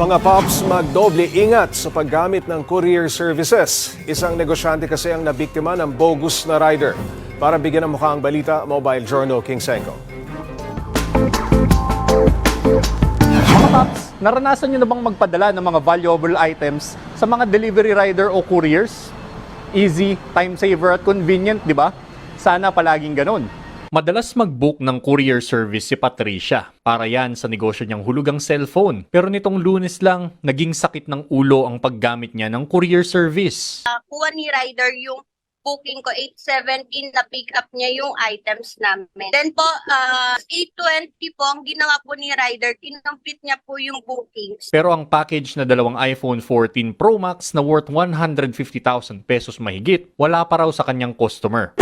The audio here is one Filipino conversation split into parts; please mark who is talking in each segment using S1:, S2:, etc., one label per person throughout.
S1: Mga Pops, magdoble ingat sa paggamit ng courier services. Isang negosyante kasi ang nabiktima ng bogus na rider. Para bigyan ng mukha ang balita, Mobile Journal King Senko.
S2: Mga Paps, naranasan nyo na bang magpadala ng mga valuable items sa mga delivery rider o couriers? Easy, time saver at convenient, di ba? Sana palaging ganun. Madalas mag-book ng courier service si Patricia para yan sa negosyo niyang hulugang cellphone. Pero nitong Lunes lang, naging sakit ng ulo ang paggamit niya ng courier service.
S3: Kuha ni rider yung booking ko, 8:17 na pick up niya yung items namin. Then po, 8:20 po, ang ginawa po ni rider, kinumpit niya po yung bookings.
S2: Pero ang package na dalawang iPhone 14 Pro Max na worth 150,000 pesos mahigit, wala pa raw sa kanyang customer.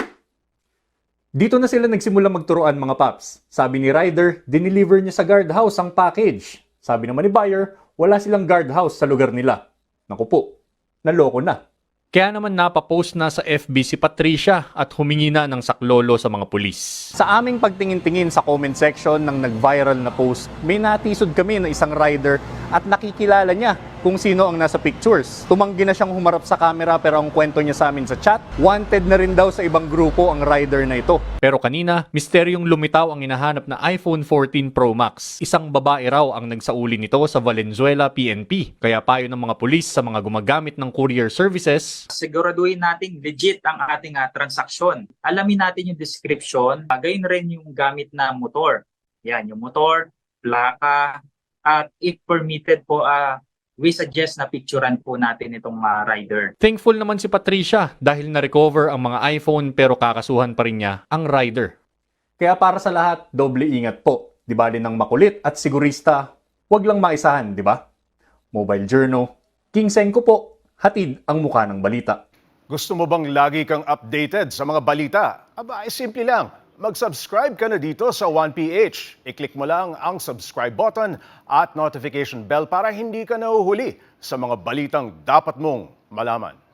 S2: Dito na sila nagsimula magturuan mga paps. Sabi ni rider, dineliver niya sa guardhouse ang package. Sabi naman ni buyer, wala silang guardhouse sa lugar nila. Naku po, naloko na. Kaya naman napapost na sa FB si Patricia at humingi na ng saklolo sa mga pulis. Sa aming pagtingin-tingin sa comment section ng nag-viral na post, may natisod kami ng isang rider at nakikilala niya kung sino ang nasa pictures. Tumanggi na siyang humarap sa camera pero ang kwento niya sa amin sa chat, wanted na rin daw sa ibang grupo ang rider na ito. Pero kanina, misteryong lumitaw ang hinahanap na iPhone 14 Pro Max. Isang babae raw ang nagsauli nito sa Valenzuela, PNP. Kaya payo ng mga pulis sa mga gumagamit ng courier services,
S4: siguraduhin natin legit ang ating transaksyon. Alamin natin yung description, gayon rin yung gamit na motor. Yan, yung motor, plaka, at if permitted po, we suggest na picturean po natin itong rider.
S2: thankful naman si Patricia dahil na-recover ang mga iPhone pero kakasuhan pa rin niya ang rider. Kaya para sa lahat, doble ingat po. Di ba din ng makulit at sigurista, wag lang maisahan, di ba? Mobile Journal, King Senko po, hatid ang mukha ng balita.
S1: Gusto mo bang lagi kang updated sa mga balita? Aba, simple lang. Mag-subscribe ka na dito sa 1PH. I-click mo lang ang subscribe button at notification bell para hindi ka nahuhuli sa mga balitang dapat mong malaman.